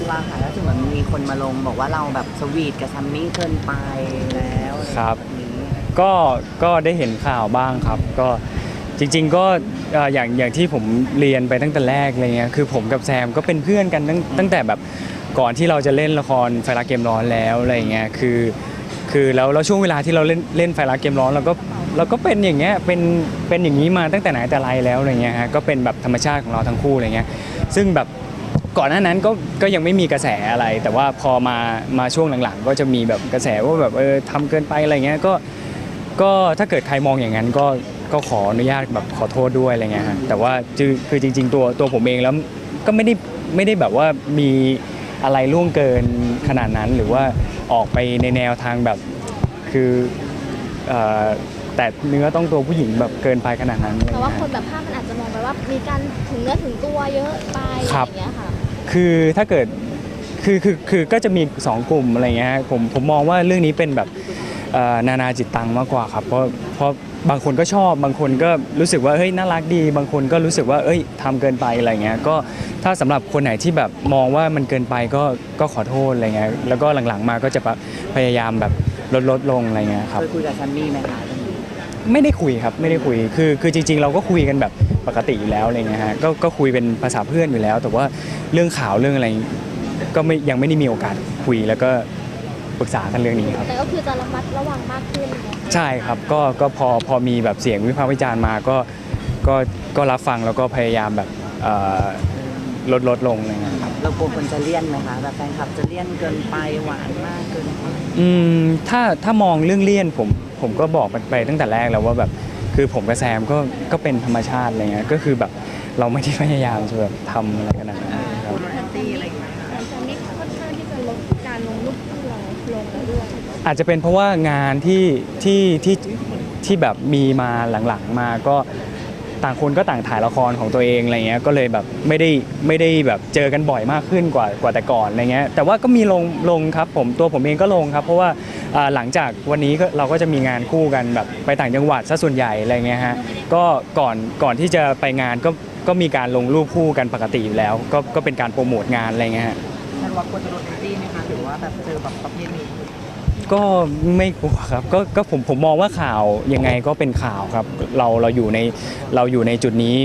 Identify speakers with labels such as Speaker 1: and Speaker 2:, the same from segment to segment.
Speaker 1: บ้างคะแล้วถึงเหมือนมีคนมาลงบอกว่าเราแบบสวีทกับแซมมี่เกินไปแล้ว
Speaker 2: ครับ
Speaker 1: แบบนี้
Speaker 2: ก็ได้เห็นข่าวบ้างครับก็จริงๆก็อย่างที่ผมเรียนไปตั้งแต่แรกอะไรเงี้ยคือผมกับแซมก็เป็นเพื่อนกันตั้งแต่แบบก่อนที่เราจะเล่นละครไฟรักเกมร้อนแล้วอะไรเงี้ยคือแล้วช่วงเวลาที่เราเล่นไฟรักเกมร้อนเราก็เป็นอย่างเงี้ยเป็นอย่างนี้มาตั้งแต่ไหนแต่ไรแล้วอะไรเงี้ยฮะก็เป็นแบบธรรมชาติของเราทั้งคู่อะไรเงี้ยซึ่งแบบก่อนหน้านั้นก็ยังไม่มีกระแสอะไรแต่ว่าพอมาช่วงหลังๆก็จะมีแบบกระแสว่าแบบทำเกินไปอะไรเงี้ยก็ถ้าเกิดใครมองอย่างนั้นก็ขออนุญาตแบบขอโทษด้วยอะไรเงี้ยฮะแต่ว่าคือจริงๆตัวผมเองแล้วก็ไม่ได้แบบว่ามีอะไรล่วงเกินขนาดนั้นหรือว่าออกไปในแนวทางแบบคือแต่เนื้อต้องตัวผู้หญิงแบบเกินไปขนาดนั้น
Speaker 3: แต่ว่าคนแบบภาพมันอาจจะมองไปว่ามีการถึงเนื้อถึงตัวเยอะไปอย่างเงี้ยค่ะ
Speaker 2: คือถ้าเกิดคือก็จะมี2กลุ่มอะไรเงี้ยผมมองว่าเรื่องนี้เป็นแบบนานาจิตตังมากกว่าครับเพราะบางคนก็ชอบบางคนก็รู้สึกว่าเฮ้ยน่ารักดีบางคนก็รู้สึกว่าเอ้ยทำเกินไปอะไรเงี้ยก็ถ้าสำหรับคนไหนที่แบบมองว่ามันเกินไปก็ขอโทษอะไรเงี้ยแล้วก็หลังๆมาก็จะพยายามแบบลดลงอะไรเงี้ยครับ
Speaker 1: เคยคุยกับแซมมี่ไหมคะ
Speaker 2: ไม่ได้คุยครับไม่ได้คุยคือจริงๆเราก็คุยกันแบบปกติอยู่แล้วอะไรเงี้ยฮะก็คุยเป็นภาษาเพื่อนอยู่แล้วแต่ว่าเรื่องข่าวเรื่องอะไรก็ยังไม่ได้มีโอกาสคุยแล้วก็ปรึกษากันเรื่องนี้ครับ
Speaker 3: แต่ก็คือจะระมัดระวังมากขึ้น
Speaker 2: ใช่ครับก็พอมีแบบเสียงวิพากษ์วิจารณ์มาก็รับฟังแล้วก็พยายามแบบลดลงอะไรเงี้ยครับ
Speaker 1: เรากลัวคนจะเลี่ยนไหมคะแบบแฟนคลับจะเลี่ยนเกินไปหวานมากเกินไป
Speaker 2: ถ้ามองเรื่องเลี่ยนผมก็บอกไปตั้งแต่แรกแล้วว่าแบบคือผมกับแซมก็เป็นธรรมชาติอะไรเงี้ยก็คือแบบเราไม่ได้พยายามจะแบบทำอะไรขนาดนั้นครับ
Speaker 1: แอนตี้อะไรอย่างเงี้ย
Speaker 3: จะมีค่อนข้างที่จะลดการลงรูปคู่เราลงแล้วด้วย
Speaker 2: อาจจะเป็นเพราะว่างานที่แบบมีมาหลังๆมาก็ต่างคนก็ต่างถ่ายละครของตัวเองอะไรเงี้ยก็เลยแบบไม่ได้แบบเจอกันบ่อยมากขึ้นกว่าแต่ก่อนอะไรเงี้ยแต่ว่าก็มีลงครับผมเองก็ลงครับเพราะว่าหลังจากวันนี้เราก็จะมีงานคู่กันแบบไปต่างจังหวัดซะส่วนใหญ่อะไรเงี้ยฮะก็ก่อนที่จะไปงานก็มีการลงรูปคู่กันปกติอยู่แล้วก็เป็นการโปรโมทงานอะไรเงี้ยฮะ
Speaker 1: ท่านว่ากลัวจะโดนแอนตี้ไหมคะหรือว่าแบบเจอแบบประเภทนี้
Speaker 2: ก็ไม่กลัวครับก็ผมมองว่าข่าวยังไงก็เป็นข่าวครับเราอยู่ในจุดนี้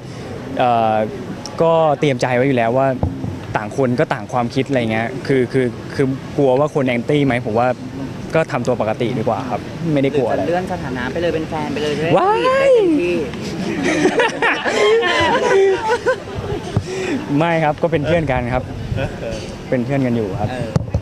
Speaker 2: ก็เตรียมใจไว้อยู่แล้วว่าต่างคนก็ต่างความคิดอะไรเงี้ยคือกลัวว่าคนแอนตี้ไหมผมว่าก็ทำตัวปกติดีกว่าครับไม่ได้กลัวอะไร
Speaker 1: เลื่อนสถานะไปเลยเป็นแฟนไปเลย
Speaker 2: ว้า
Speaker 1: ได้เต็มที่
Speaker 2: ไม่ครับก็เป็นเพื่อนกันครับเป็นเพื่อนกันอยู่ครับ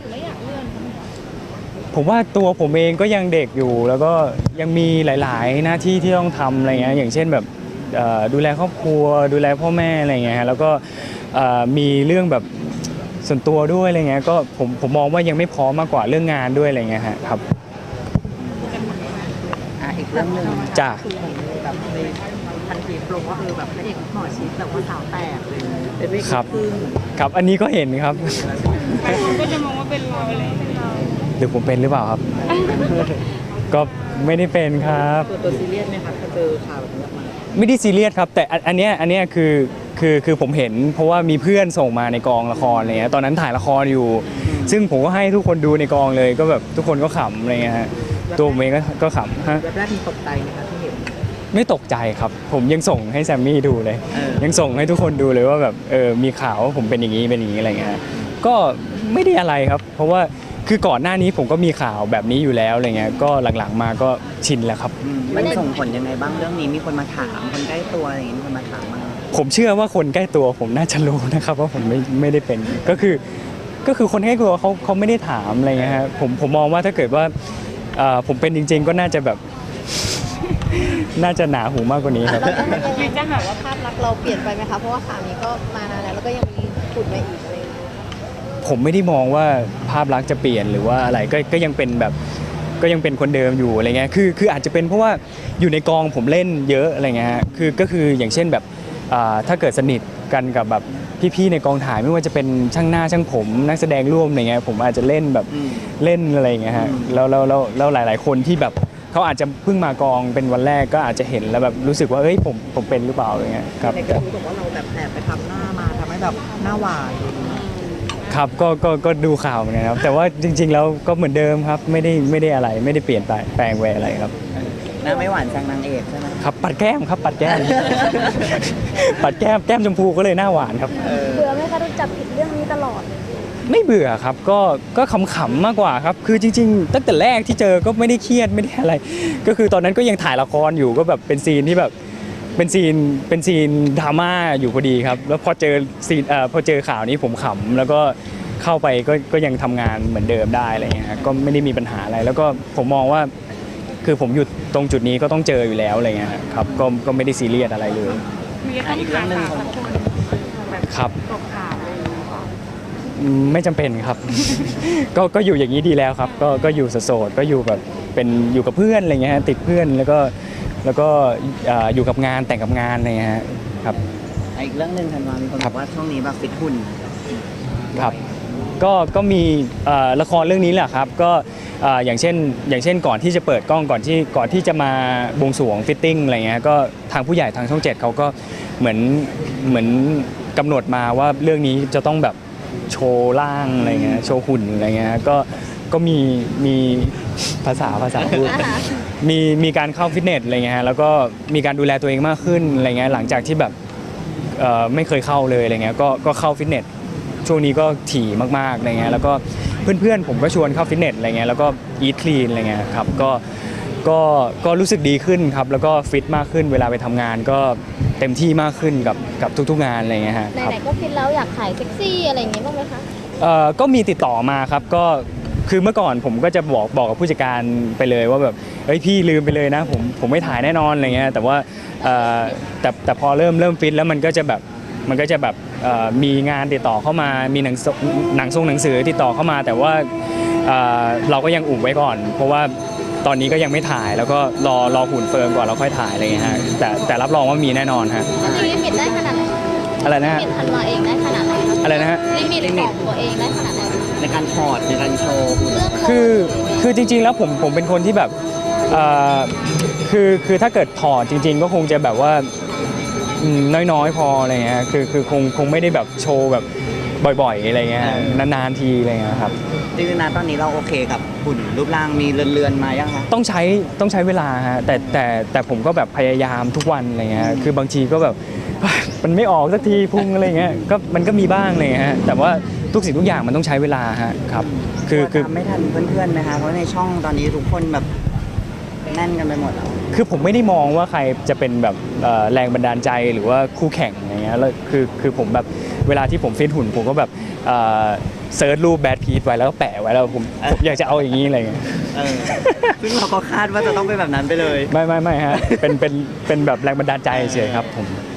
Speaker 2: ผมว่าตัวผมเองก็ยังเด็กอยู่แล้วก็ยังมีหลายๆหน้าที่ที่ต้องทำอะไรเงี้ยอย่างเช่นแบบดูแลครอบครัวดูแลพ่อแม่อะไรเงี้ยแล้วก็มีเรื่องแบบส่วนตัวด้วยอะไรเงี้ยก็ผมมองว่ายังไม่พร้อมมากกว่าเรื่องงานด้วยอะไรเงี้ยครับ
Speaker 1: อีกเรื่องหนึ่ง
Speaker 2: จ้ะ
Speaker 1: แบบในพันทีปลงว่าแบบพระเอกหมอชิดแบบว่าสาวแตกเลยเป็นวิก
Speaker 2: ครับอันนี้ก็เห็นครับ
Speaker 3: ก็จะมองว่าเป็นเราอะไร
Speaker 2: หรือผมเป็นหรือเปล่าครับก็ไม่ได้เป็นครับ
Speaker 1: ตัวซีเรียสไหมครับถ้าเจอข่าวแบบนี้มา
Speaker 2: ไม่ได้ซีเรียสครับแต่อันเนี้ยคือผมเห็นเพราะว่ามีเพื่อนส่งมาในกองละครอะไรเงี้ยตอนนั้นถ่ายละครอยู่ซึ่งผมก็ให้ทุกคนดูในกองเลยก็แบบทุกคนก็ขำอะไรเงี้ยฮะตัวผมเองก็ขำฮะ
Speaker 1: แรกมีตกใจไหมครับที่เห็น
Speaker 2: ไม่ตกใจครับผมยังส่งให้แซมมี่ดูเลยยังส่งให้ทุกคนดูเลยว่าแบบมีข่าวว่าผมเป็นอย่างนี้อะไรเงี้ยก็ไม่ได้อะไรครับเพราะว่าคือก่อนหน้านี้ผมก็มีข่าวแบบนี้อยู่แล้วอะไรเงี้ยก็หลังๆมาก็ชินแล้วครับ
Speaker 1: มันส่งผลยังไงบ้างเรื่องนี้มีคนมาถามคนใกล้ตัวอะไรอย่างนี้มีคนมาถามมา
Speaker 2: ผมเชื่อว่าคนใกล้ตัวผมน่าจะรู้นะครับว่าผมไม่ได้เป็นก็คือคนใกล้ตัวเขาไม่ได้ถามอะไรเงี้ยครับผมมองว่าถ้าเกิดว่าผมเป็นจริงๆก็น่าจะแบบน่าจะหนาหูมากกว่านี้ครับ
Speaker 3: ยังจะหาว่าภาพลักษณ์เราเปลี่ยนไปไหมคะเพราะว่าข่าวนี้ก็มานานแล้วก็ยังมีขุดมาอีกอะไร
Speaker 2: ผมไม่ได้มองว่าภาพลักษณ์จะเปลี่ยนหรือว่าอะไรก็ยังเป็นแบบก็ยังเป็นคนเดิมอยู่อะไรเงี้ยคืออาจจะเป็นเพราะว่าอยู่ในกองผมเล่นเยอะอะไรเงี้ยก็คืออย่างเช่นแบบถ้าเกิดสนิทกันกับแบบพี่ๆในกองถ่ายไม่ว่าจะเป็นช่างหน้าช่างผมนักแสดงร่วมอะไรเงี้ยผมอาจจะเล่นแบบเล่นอะไรเงี้ยฮะแล้วหลายๆคนที่แบบเขาอาจจะเพิ่งมากองเป็นวันแรกก็อาจจะเห็นแล้วแบบรู้สึกว่าเอ้ยผมเป็นหรือเปล่าอะไรเงี้ยครับ
Speaker 1: ในกระทู้บอกว่าเราแบบแอบไปทำหน้ามาทำให้แบบหน้าหวาน
Speaker 2: ครับก็ดูข่าวเหมือนกันครับแต่ว่าจริง ๆ แล้วก็เหมือนเดิมครับไม่ได้อะไรไม่ได้เปลี่ยนแปลงแหวอะไรครับ
Speaker 4: หน้าไม่หวานแซงนางเอกใช่ไหม
Speaker 2: ครับปัดแก้มครับปัดแก้ม ปัดแก้มชมพูก็เลยหน้าหวานครับ
Speaker 3: เบื่อไหมคะโดนจับผิดเรื่องนี้ตลอด
Speaker 2: ไม่เบื่อครับก็ขำๆมากกว่าครับคือจริงๆตั้งแต่แรกที่เจอก็ไม่ได้เครียดไม่ได้อะไร ก็คือตอนนั้นก็ยังถ่ายละครอยู่ก็แบบเป็นซีนที่แบบเป็นซีนดราม่าอยู่พอดีครับแล้วพอเจอซีนพอเจอข่าวนี้ผมขำแล้วก็เข้าไปก็ยังทำงานเหมือนเดิมได้อะไรเงี้ยฮะก็ไม่ได้มีปัญหาอะไร แล้วก็ผมมองว่าคือผมอยู่ตรงจุดนี้ก็ต้องเจออยู่แล้วอะไรเงี้ยครับก็ไม่ได้ซีเรียสอะไรเลย
Speaker 1: มีต้องขาสาวสักคนแบบ
Speaker 2: ครับ
Speaker 1: ตกข่าวอะไรอย่างเงี้ยค่ะ
Speaker 2: ไม่จำเป็นครับ ก็อยู่อย่างนี้ดีแล้วครับก็อยู่โสดๆก็อยู่แบบเป็นอยู่กับเพื่อนอะไรเงี้ยฮะติดเพื่อนแล้วก็อยู่กับงานแต่งกับงานอะไรเงี้ยฮะครับ
Speaker 4: อีกเรื่องหนึ่งธันวามีคนบอกว่าช่วงนี้แบบฟิตหุ่น
Speaker 2: ครับก็มีละครเรื่องนี้แหละครับก็อย่างเช่นก่อนที่จะเปิดกล้องก่อนที่จะมาบวงสรวงฟิตติ้งอะไรเงี้ยก็ทางผู้ใหญ่ทางช่อง 7เขาก็เหมือนกำหนดมาว่าเรื่องนี้จะต้องแบบโชว์ร่างอะไรเงี้ยโชว์หุ่นอะไรเงี้ยก็มีภาษาพูด มีการเข้าฟิตเนสอะไรเงี้ยฮะแล้วก็มีการดูแลตัวเองมากขึ้นอะไรเงี้ยหลังจากที่แบบไม่เคยเข้าเลยอะไรเงี้ยก็เข้าฟิตเนสช่วงนี้ก็ถี่มากๆอะไรเงี้ยแล้วก็เพื่อนๆผมก็ชวนเข้าฟิตเนสอะไรเงี้ยแล้วก็อีทคลีนอะไรเงี้ยครับก็รู้สึกดีขึ้นครับแล้วก็ฟิตมากขึ้นเวลาไปทำงานก็เต็มที่มากขึ้นกับทุกๆงานอะไรเงี้ยฮะครับ
Speaker 3: ไหนๆก็ฟิตแล้วอยากขายเซ็กซี่อะไรอย่างงี้บ้างไหมคะ
Speaker 2: ก็มีติดต่อมาครับก็คือเมื่อก่อนผมก็จะบอกกับผู้จัดการไปเลยว่าแบบเฮ้ยพี่ลืมไปเลยนะผมไม่ถ่ายแน่นอนอะไรเงี้ยแต่ว่าแต่พอเริ่มฟิตแล้วมันก็จะแบบมีงานติดต่อเข้ามามีหนังสือติดต่อเข้ามา แต่ว่าเราก็ยังอุบไว้ก่อน เพราะว่าตอนนี้ก็ยังไม่ถ่ายแล้วก็รอหุ่นเฟิร์มก่อนแล้วค่อยถ่ายอะไรเงี้ยฮะแต่รับรองว่ามีแน่นอนฮะ
Speaker 3: จริงๆลิมิตได้ขนาดไหน
Speaker 2: อะไรนะ
Speaker 3: ลิ
Speaker 2: ฮะ
Speaker 3: มิตธันวาเองได้ขนาดไหนคะ
Speaker 2: อะไรนะฮะ
Speaker 3: ลิมิตของตัวเองได้ขนาดไหน
Speaker 4: ในการถอดในการโชว์หุ่น
Speaker 3: เรื่องโพส
Speaker 2: คือจริงๆแล้วผมเป็นคนที่แบบคือถ้าเกิดถอดจริง ๆ ก็คงจะแบบว่าน้อยๆพออะไรเงี้ยคือคงไม่ได้แบบโชว์แบบบ่อยๆอะไรเงี้ยนานๆทีอะไรเงี้ยครับ
Speaker 4: จริงๆนะตอนนี้เราโอเคกับหุ่นรูปร่างมีเรือนๆมายังคะ
Speaker 2: ต้องใช้เวลาฮะแต่ผมก็แบบพยายามทุกวันอะไรเงี้ยคือบางทีก็แบบ มันไม่ออกสักทีพุงอะไรเงี้ยก็มันก็มีบ้างอะไรเงี้ยฮะแต่ว่าทุกสิ่งทุกอย่างมันต้องใช้เวลาฮะครับคือ
Speaker 4: ตามไม่ทันเพื่อนๆนะคะเพราะในช่องตอนนี้ทุกคนแบบแน่นกันไปหมดแล้ว
Speaker 2: คือผมไม่ได้มองว่าใครจะเป็นแบบแรงบันดาลใจหรือว่าคู่แข่งอะไรเงี้ยแล้วคือผมแบบเวลาที่ผมฟิตหุ่นผมก็แบบเซิร์ชรูปแบดพีทไว้แล้วก็แปะไว้แล้วผมอยากจะเอาอย่างนี้อะไรเงี้ย
Speaker 4: ซึ่งเราก็คาดว่าจะต้องเป็นแบบนั้นไปเลย
Speaker 2: ไม่ฮะเป็นแบบแรงบันดาลใจเฉยๆครับผม